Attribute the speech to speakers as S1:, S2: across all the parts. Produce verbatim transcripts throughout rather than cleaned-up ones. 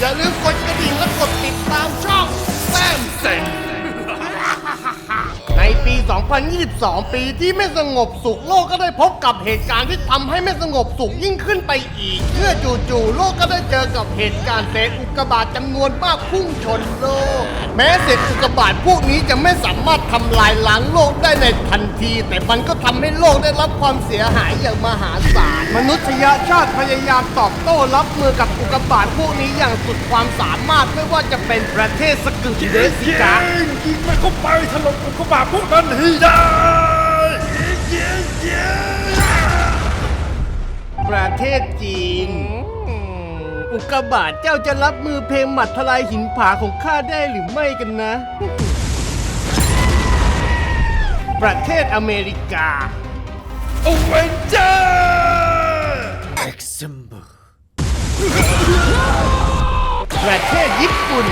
S1: อย่าลืมกดกระดิ่งและกดติดตามช่องแซมเซนในปี สองพันยี่สิบสอง ปีที่ไม่สงบสุขโลกก็ได้พบกับเหตุการณ์ที่ทำให้ไม่สงบสุขยิ่งขึ้นไปอีกเมื่อจู่ๆโลกก็ได้เจอกับเหตุการณ์เศษอุกกาบาตจำนวนมากพุ่งชนโลกแม้เศษอุกกาบาตพวกนี้จะไม่สามารถทำลายล้างโลกได้ในทันทีแต่มันก็ทำให้โลกได้รับความเสียหายอย่างมหาศาลมนุษยชาติพยายามตอบโต้รับมือกับอุกกาบาตพวกนี้อย่างสุดความสามารถไม่ว่าจะเป็นประเทศสกึกเดสิกา
S2: ยิงมันเข้าไปถล่มอุกกาบาตพวกนั้นให้ได้
S1: ประเทศจีนอุกกาบาตเจ้าจะรับมือเพลงหมัดทลายหินผาของข้าได้หรือไม่กันนะประเทศอเมริกา
S2: โอเวนเจอร์เอ็กซิมเบอร์
S1: ประเทศญี่ปุ่น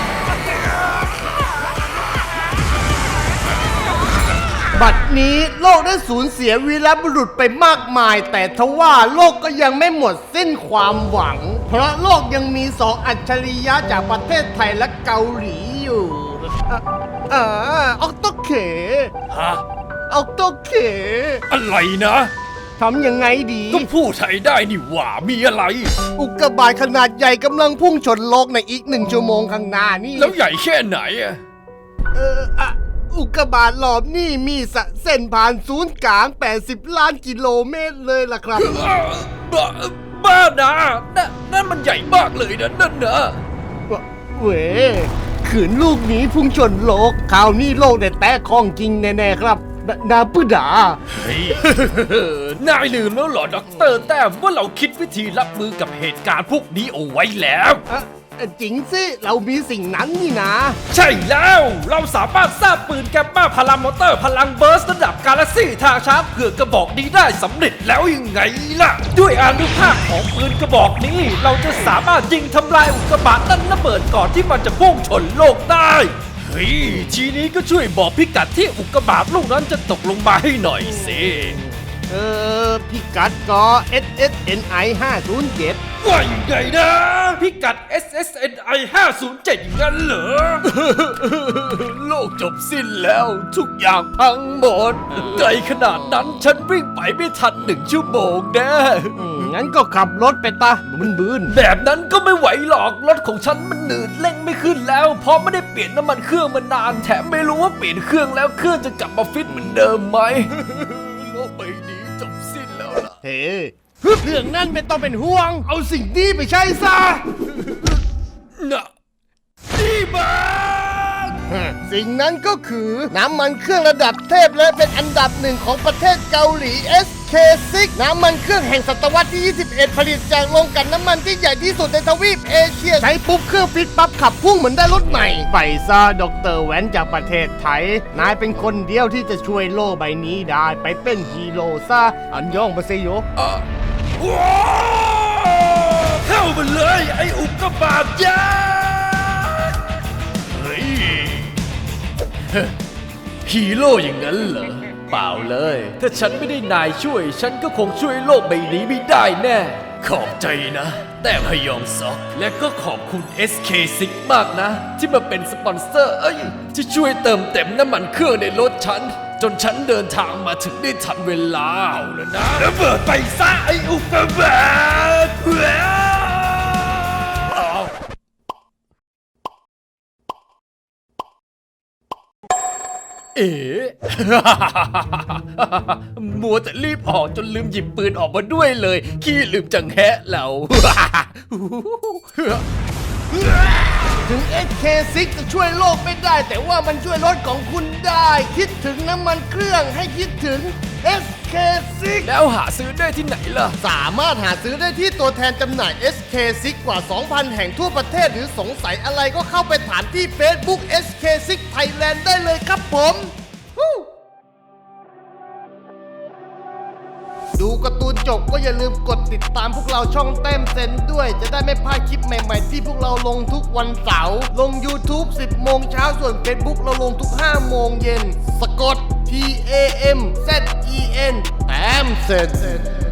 S1: บัดนี้โลกได้สูญเสียวีรบุรุษไปมากมายแต่ทว่าโลกก็ยังไม่หมดสิ้นความหวังเพราะโลกยังมีสองอัจฉริยะจากประเทศไทยและเกาหลีอยู่อ่าออกโตเค
S2: ฮะ
S1: ออกโตเค
S2: อะไรนะ
S1: ทำยังไงดี
S2: ก็พูดไทยได้นี่หว่ามีอะไร
S1: อุกกาบาตขนาดใหญ่กำลังพุ่งชนโลกในอีกหนึ่งชั่วโมงข้างหน้านี่
S2: แล้วใหญ่แค่ไหนอะ
S1: เอออะอุกกาบาตรอบนี่มีเส้นผ่านศูนย์กลางแปดสิบล้านกิโลเมตรเลยล่ะครับ
S2: บ้าบ้านะนั่นนั่นมันใหญ่มากเลยนะนั่นนะ
S1: เว้ยขืนลูกนี้พุ่งชนโลกคราวนี้โลกได้แตกของจริงแน่ๆครับนาปุดา
S2: เฮ้ยนายลืมแล้วเหรอด็อกเตอร์แต้มว่าเราคิดวิธีรับมือกับเหตุการณ์พวกนี้เอาไว้แล้ว
S1: จริงสิเรามีสิ่งนั้นนี่นะ
S2: ใช่แล้วเราสามารถสร้างปืนแกมมาพลังมอเตอร์พลังเบิร์สระดับกาแล็กซี่ทางช้าเพื่อกระบอกนี้ได้สำเร็จแล้วยังไงล่ะด้วยอานุภาพของปืนกระบอกนี้เราจะสามารถยิงทำลายอุกกาบาตนั้นระเบิดก่อนที่มันจะพุ่งชนโลกได้เฮ้ยทีนี้ก็ช่วยบอกพิกัดที่อุกกาบาตลูกนั้นจะตกลงมาให้หน่อยสิ
S1: เออพิกัดก็ เอส เอส เอ็น ไอ ห้าศูนย์เจ็ด
S2: ว่าอย่างไงนะพิกัด เอส เอส เอ็น ไอ ห้าศูนย์เจ็ดงั้นเหรอโลกจบสิ้นแล้วทุกอย่างพังหมดไกลขนาดนั้นฉันวิ่งไปไม่ทันหนึ่งชั่วโมงแน่
S1: งั้นก็ขับรถไปตาบึนบืน
S2: แบบนั้นก็ไม่ไหวหรอกรถของฉันมันหนืดเร่งไม่ขึ้นแล้วเพราะไม่ได้เปลี่ยนน้ำมันเครื่องมานานแถมไม่รู้ว่าเปลี่ยนเครื่องแล้วเครื่องจะกลับมาฟิตเหมือนเดิมไหมโลกใบนี้จบสิ้นแล้วล่ะ
S1: เฮ้เรื่องนั้นไม่ต้องเป็นห่วงเอาสิ่งนี้ไปใช้ซะ
S2: น่ะนี่บ้า
S1: สิ่งนั้นก็คือน้ำมันเครื่องระดับเทพและเป็นอันดับหนึ่งของประเทศเกาหลี เอส เค ซิก น้ำมันเครื่องแห่งศตวรรษที่ ยี่สิบเอ็ด ผลิตจากโรงกลั่นน้ำมันที่ใหญ่ที่สุดในทวีปเอเชียใช้ปุ๊บเครื่องฟิตปั๊บขับพุ่งเหมือนได้รถใหม่ไปซะดร.แวนจากประเทศไทยนายเป็นคนเดียวที่จะช่วยโลกใบนี้ได้ไปเป็นฮีโร่ซะอันยองมาเซโย
S2: ว้าวเข้ามาเลยไอ้อุกกาบาตยักษ์เฮ้ยฮีโร่อย่างนั้นเหรอเปล่าเลยถ้าฉันไม่ได้นายช่วยฉันก็คงช่วยโลกใบนี้ไม่ได้แน่ขอบใจนะแต่พยองซอกและก็ขอบคุณ เอส เค ซิก มากนะที่มาเป็นสปอนเซอร์เอ้ยที่ช่วยเติมเต็มน้ำมันเครื่องในรถฉันจนฉันเดินทางมาถึงได้ทันเวลาเอาแล้วนะระเบิดไปซะไอ้อุกกาบาตเอ๋มัวแต่รีบออกจนลืมหยิบปืนออกมาด้วยเลยขี้ลืมจังแฮะเรา
S1: ถึง เอส เค ซิก จะช่วยโลกไม่ได้แต่ว่ามันช่วยรถของคุณได้คิดถึงน้ำมันเครื่องให้คิดถึง เอส เค ซิก
S2: แล้วหาซื้อได้ที่ไหนล่ะ
S1: สามารถหาซื้อได้ที่ตัวแทนจำหน่าย เอส เค ซิก กว่า สองพัน แห่งทั่วประเทศหรือสงสัยอะไรก็เข้าไปถามที่ Facebook เอส เค ซิก Thailand ได้เลยครับผมดูการ์ตูนจบก็อย่าลืมกดติดตามพวกเราช่องแต้มเซนด้วยจะได้ไม่พลาดคลิปใหม่ๆที่พวกเราลงทุกวันเสาร์ลง YouTube สิบโมงเช้าส่วน Facebook เราลงทุกห้าโมงเย็นสะกด ที เอ เอ็ม แซด อี เอ็น แต้มเซน